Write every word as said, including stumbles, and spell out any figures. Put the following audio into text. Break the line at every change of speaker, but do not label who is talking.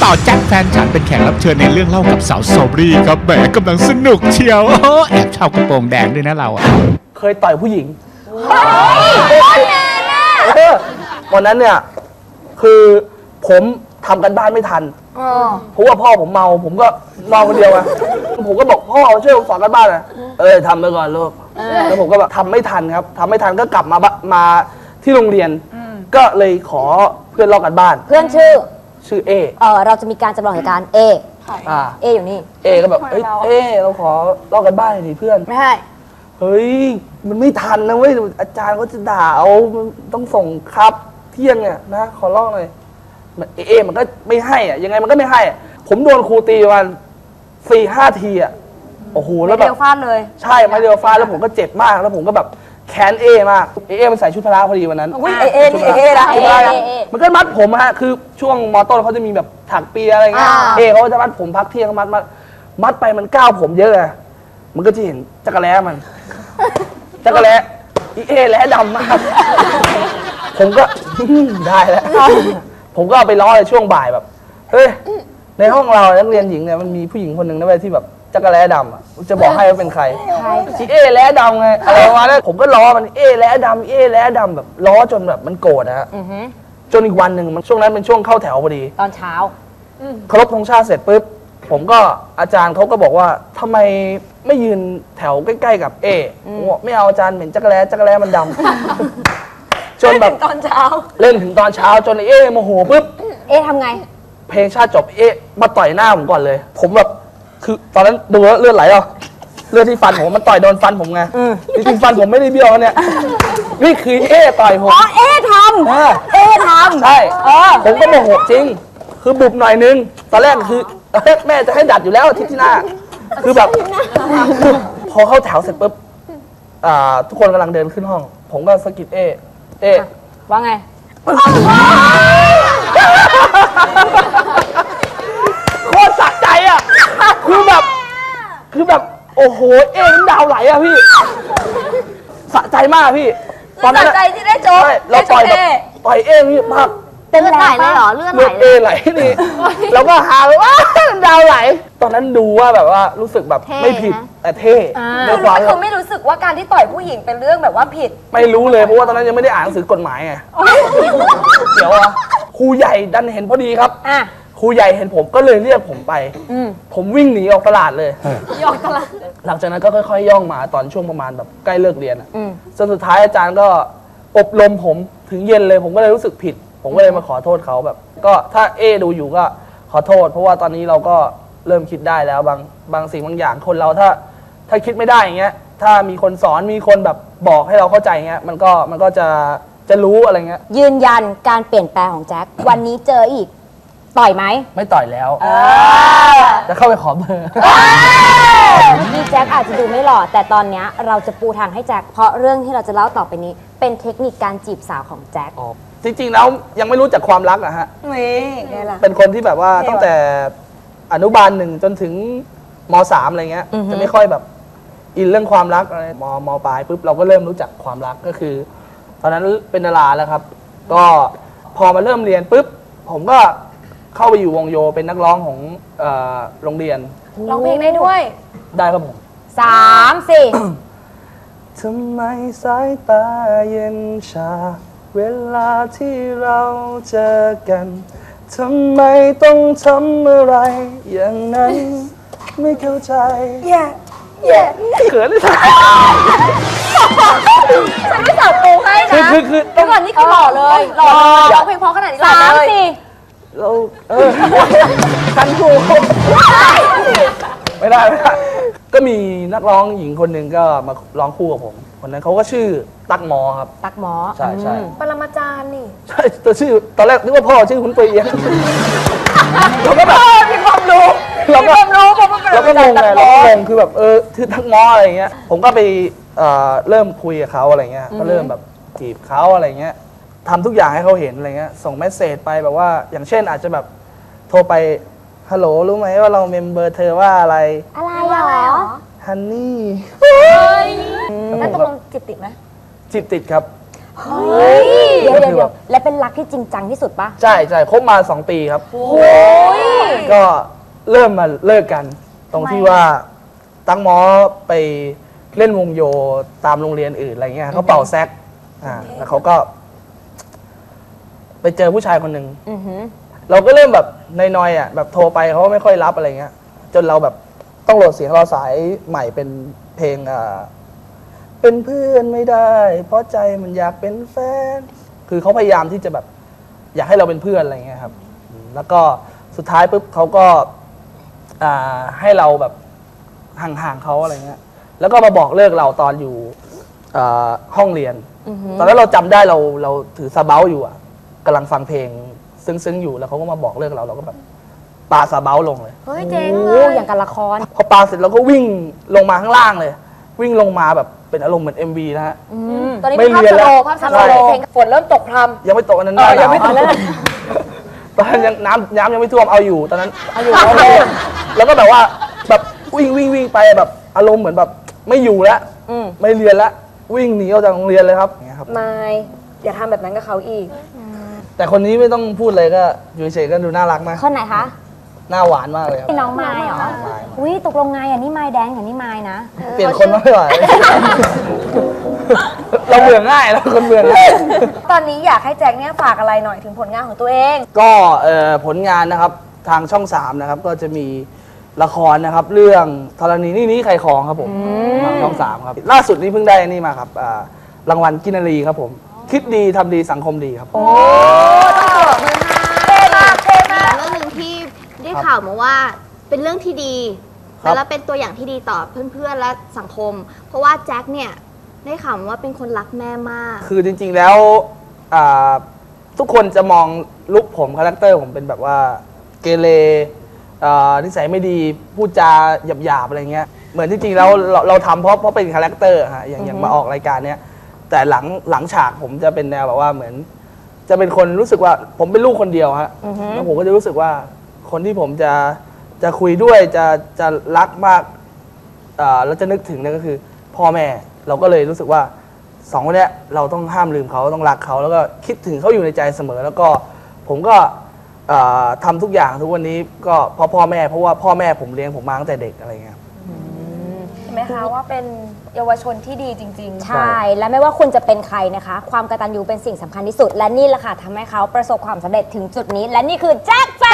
ต่อแจ็คแฟนฉันเป็นแขกรับเชิญในเรื่องเล่ากับสาวสตรอเบอรี่ครับแหมกำลังสนุกเชียวโอ้แอบชอบกระโปรงแดงด้วยนะเราอะ
เคยต่อยผู้หญิงเออวันนั้นเนี่ยคือผมทำกันบ้านไม่ทันเพราะว่าพ่อผมเมาผมก็นอนคนเดียวอะผมก็บอกพ่อช่วยผมสอนกันบ้านนะเออทำไปก่อนลูกแล้วผมก็แบบทำไม่ทันครับทำไม่ทันก็กลับมาบมาที่โรงเรียนก็เลยขอเพื่อนลอกกันบ้าน
เพื่อนชื่อ
ชื่อเอ
เออเราจะมีการจำลองเหตุการณ์เอ
อ่า
เออยู่นี่
เอก็แบบเอ้ยเอเราขอลอกกันบ้านหน่อยดิเพื่อน
ไม่ให้
เฮ้ยมันไม่ทันนะเว้ยอาจารย์ก็จะด่าเอามันต้องส่งครับเที่ยงเนี่ยนะขอลอกหน่อยเอเอมันก็ไม่ให้อะยังไงมันก็ไม่ให้อะผมโดนครูตีประมาณสี่ห้าทีอะโอ้โหแล้วแบบ
เดียวฟาดเลย
ใช่มาเดียวฟ้าแล้วผมก็เจ็บมากแล้วผมก็แบบแค้นเอมากเอเอมันใส่ชุดพละพอดีวันนั้น
อุ้ยเอเอนี่เอเอละ
ชุดพละมันก็มัดผมฮะคือช่วงมอต้นเขาจะมีแบบถักเปียอะไรเงี้ยเอเขาจะมัดผมพักเที่ยงมัดมัดมัดไปมันก้าวผมเยอะไงมันก็จะเห็นจักรแล้มันจักรแล้อีเอแล้ดำมากผมก็ ได้แล้วผมก็เอาไปล้อในช่วงบ่ายแบบเฮ้ยในห้องเรานักเรียนหญิงเนี่ยมันมีผู้หญิงคนหนึ่งนะเว้ยที่แบบจักรแล้ดำอ่ะจะบอกให้ว่าเป็นใครอีเอแล้ดำไงอะไรประมาณนั้นผมก็ล้อมันเอแล้ดำเอแล้ดำแบบล้อจนแบบมันโกรธนะฮะจนอีกวันหนึ่งมันช่วงนั้นเป็นช่วงเข้าแถวพอดี
ตอนเช้า
เคารพธงชาติเสร็จปุ๊บผมก็อาจารย์เขาก็บอกว่าทำไมไม่ยืนแถวใกล้ๆกับเอผมบอกไม่เอาอาจารย์เหม็นจักรแล้จักรแล้มันดำ จนแบบ
ตอนเช้า
เล่นถึงตอนเช้าจนเอโมโหปุ๊บ
เอทำไง
เพลงชาติจบเอ๊ะมาต่อยหน้าผมก่อนเลย ผมแบบคือตอนนั้นดูแล้วเลือดไหลอ่ะเลือดที่ฟันผมมันต่อยโดนฟันผมไงจริงๆฟันผมไม่ได้เบี้ยวเนี่ยนี่คือเอ๊ะต่อยผม
อ๋อเอท
เออ
ำเอทำ
ใช่
เออ
ผมก็โมโหจริง คือบุบหน่อยนึงตอนแรกคือเอ้ยแม่จะให้ดัดอยู่แล้วอาทิตย์ที่หน้า คือแบบพอเข้าแถวเสร็จปุ๊บอ่าทุกคนกำลังเดินขึ้นห้อง ผมก็สะกิดเอ๊ะเอ๊ะ
ว่าไง
โคตรสะใจอ่ะ คือแบบ คือแบบ โอ้โห เอ็นดาวไหลอ่ะพี่ สะใจมากพี่ ตอนนั้น
สะใจที่ได้โจ๊ก
ใช่เราต่อยแบบต่อยเอ็นพี่มาก
เป็นไหลเลยเหรอเลือดไหล
เลือดเอ็นไหลนี่ แล้วก็หาเลยว่าดาวไหล ตอนนั้นดูว่าแบบว่ารู้สึกแบบไม่ผิด แต่เท่ในความ
คือไม่รู้สึกว่าการที่ต่อยผู้หญิงเป็นเรื่องแบบว่าผิด
ไม่รู้เลยเพราะว่าตอนนั้นยังไม่ได้อ่านหนังสือกฎหมายไง เดี๋ยวอะครูใหญ่ดันเห็นพอดีครับ
อ่ะ
ครูใหญ่เห็นผมก็เลยเรียกผมไป ผมวิ่งหนีออกตลาดเลย
ยอกตลาด
หลังจากนั้นก็ค่อยๆ ย่องมาตอนช่วงประมาณแบบใกล้เลิกเรียนอ่ะจนสุดท้ายอาจารย์ก็อบรมผมถึงเย็นเลย ผมก็เลยรู้สึกผิด ผมก็เลยมาขอโทษเขาแบบ ก็ถ้าเอดูอยู่ก็ขอโทษ เพราะว่าตอนนี้เราก็เริ่มคิดได้แล้วบางบางสิ่งบางอย่างคนเราถ้าถ้าคิดไม่ได้อย่างเงี้ย ถ้ามีคนสอนมีคนแบบบอกให้เราเข้าใจเงี้ยมันก็มันก็จะจะรู้อะไรเงี้ย
ยืนยันการเปลี่ยนแปลงของแจ็ค วันนี้เจออีก ต่อยไหม
ไม่ต่อยแล้วจะเข้าไปขอเบอร์
พี่แจ็คอาจจะดูไม่หล่อแต่ตอนเนี้ยเราจะปูทางให้แจ็คเพราะเรื่องที่เราจะเล่าต่อไปนี้ เป็นเทคนิคการจีบสาวของแจ็ค
จริงๆแล้วยังไม่รู้จักความรักอะฮะ
นี่ไงล่ะ
เป็นคนที่แบบว่าตั้งแต่อนุบาลหนึ่งจนถึงมสามอะไรเงี้ย จะไม่ค่อยแบบอินเรื่องความรักอะไรมมปลายปุ๊บเราก็เริ่มรู้จักความรักก็คือ ตอนนั้นเป็นดาราแล้วครับ ก็พอมาเริ่มเรียนปุ๊บผมก็เข้าไปอยู่วงโยเป็นนักร้องของเอ่อโรงเรียน
ร้องเพลงได้ด้วย
ได้ครับผม
สามสี่
ทำไมสายตาเย็นชา เวลาที่เราเจอกันทำไมต้องทำอะไร อย่างนั้นไม่เข้าใจ
แย่แย่
เขินเลยค่ะ
ฉันไม่สับปูให้
คือ
นะ
คือคือ
เดี๋ยวก่อนนี่คือหล่อเลยหล่อเลยร้องเพลงเพราะขนาดนี้หล่อ
สาม
เลย
สี่
เราเออคันถูกไม่ได้ไม่ได้ก็มีนักร้องหญิงคนหนึ่งก็มาร้องคู่กับผมคนนั้นเขาก็ชื่อตั๊กหมอครับ
ตักหมอ
ใช่ใช่
ปรมาจารย์นี่
ใช่แต่ชื่อตอนแรกนึกว่าพ่อชื่อคุณเปียงเราก็แบบ
มีความรู้
เรา
มี
ก็
ความรู้ผมว่าเป็น
เราก็งงไง
ป
เรา
ร
ก็
มาง จารง
คือแบบเออชื่อทักหมออะไรเงี้ยผมก็ไปเอ่อเริ่มคุยกับเขาอะไรเงี้ยก็เริ่มแบบจีบเขาอะไรเงี้ยทำทุกอย่างให้เขาเห็นอะไรเงี้ยส่งเมสเซจไปแบบว่าอย่างเช่นอาจจะแบบโทรไปฮัลโหลรู้ไหมว่าเราเมมเบอร์เธอว่าอะไร
อะไรเหรอ
ฮันนี่
แล้วตกลงจิตติดไหม
จีบติดครับ
เดี๋ยวเดี๋ยวเดี๋ยวและเป็นรักที่จริงจังที่สุดปะ
ใช่ใช่คบมาสองปีครับ
โอ้ย
ก็เริ่มมาเลิกกัน ตรงที่ว่าตั้งหมอไปเล่นวงโยตามโรงเรียนอื่นอะไรเงี้ยเขาเป่าแซกอ่าแล้วเขาก็ ไปเจอผู้ชายคนหนึ่ง
อือหือ
เราก็เริ่มแบบนอยๆอ่ะแบบโทรไปเขาก็ไม่ค่อยรับอะไรเงี้ย จนเราแบบต้องโหลดเสียงรอสายใหม่เป็นเพลงอ่าเป็นเพื่อนไม่ได้ เพราะใจมันอยากเป็นแฟน คือเขาพยายามที่จะแบบ อยากให้เราเป็นเพื่อนอะไรเงี้ยครับอืมแล้วก็สุดท้ายปุ๊บเขาก็อ่าให้เราแบบห่างๆเขาอะไรเงี้ย แล้วก็มาบอกเลิกเราตอนอยู่อ่าห้องเรียน ตอนนั้นเราจำได้เราเราถือซาเบ้าอยู่อ่ะกำลังฟังเพลงซึ้งๆอยู่แล้วเขาก็มาบอกเลิกเราเราก็แบบปาซาเบ้าลงเลย
เฮ้ยเจ๋งเล
โอ้
ย
อย่างกับละคร
พอปาเสร็จเราก็วิ่งลงมาข้างล่างเลย วิ่งลงมาแบบเป็นอารมณ์เหมือน เอ็ม วี นะฮะ
ตอนนี้
ไม่
มีภาพ
เรียน
ส
แล้
โล
ว
ว์ภาพส
ใช่
โลว์เพลงฝนเริ่มตกพรำ
ยังไม่ตกอันนั้น
เออยังไม่ตก
หนาวตอนนั้นยังน้ำน้ำยังไม่ท่วมเอาอยู่ตอนนั้นเอาอยู่แล้วก็แบบว่าแบบวิ่งวิ่งวิ่งไปแบบอารมณ์เหมือนแบบไม่อยู่แล้วไม่เรียนแล้ววิ่งหนีออกจากโรงเรียนเลยครับอย่างเงี้ยครับ
ไม่อย่าทำแบบนั้นกับเขาอีก
แต่คนนี้ไม่ต้องพูดเลยก็อยู่เฉยๆก็ดูน่ารักมาก
คนไหนคะ
หน้าหวานมากเลยครับ
พี่น้องไม้เหรอ อุ้ยตกลงไงอ่ะนี่ไม้แดงกับนี่ไม้นะ
เปลี่ยนคนมาไม่ไหว เราเบื่อง่ายเราคนเบื่อง่าย
ตอนนี้อยากให้แจ็คเนี่ยฝากอะไรหน่อยถึงผลงานของตัวเอง
ก็เอ่อผลงานนะครับทางช่องสามนะครับก็จะมีละครนะครับ เรื่องธรณีนี่นี่ใครของครับผมทางช่องสามครับล่าสุดนี้เพิ่งได้นี่มาครับอ่ารางวัลกินนารีครับผม คิดดีทำดีสังคมดีครับ
เท่มากเท่มาก
เรื่องหนึ่งที่ได้ข่าวมาว่าเป็นเรื่องที่ดี
ครับ
แล้วเป็นตัวอย่างที่ดีต่อเพื่อนๆและสังคม เพราะว่าแจ็คเนี่ยได้ข่าวมาว่าเป็นคนรักแม่มาก
คือจริงๆแล้วอ่าทุกคนจะมองลุคผมคาแรคเตอร์ผมเป็นแบบว่าเกเรอ่านิสัยไม่ดีพูดจาหยาบๆอะไรเงี้ยเหมือนที่จริงแล้วเราเราทำเพราะเพราะเป็นคาแรคเตอร์ฮะอย่างอย่างมาออกรายการเนี้ยแต่หลังหลังฉากผมจะเป็นแนวแบบว่าเหมือน จะเป็นคนรู้สึกว่าผมเป็นลูกคนเดียวฮะแล้วผมก็จะรู้สึกว่าคนที่ผมจะจะคุยด้วยจะจะรักมากอ่าแล้วจะนึกถึงเนี่ยก็คือพ่อแม่ เราก็เลยรู้สึกว่าสองคนเนี้ยเราต้องห้ามลืมเขาต้องรักเขาแล้วก็คิดถึงเขาอยู่ในใจเสมอ แล้วก็ผมก็อ่าทำทุกอย่างทุกวันนี้ก็เพราะพ่อแม่เพราะว่าพ่อแม่ผมเลี้ยงผมมาตั้งแต่เด็กอะไรเงี้ย
เห็นไหมคะว่าเป็นเยาวชนที่ดีจริงๆ
ใช่ และไม่ว่าคุณจะเป็นใครนะคะ ความกตัญญูเป็นสิ่งสำคัญที่สุด และนี่แหละค่ะทำให้เขาประสบความสำเร็จถึงจุดนี้ และนี่คือแจ็คแฟ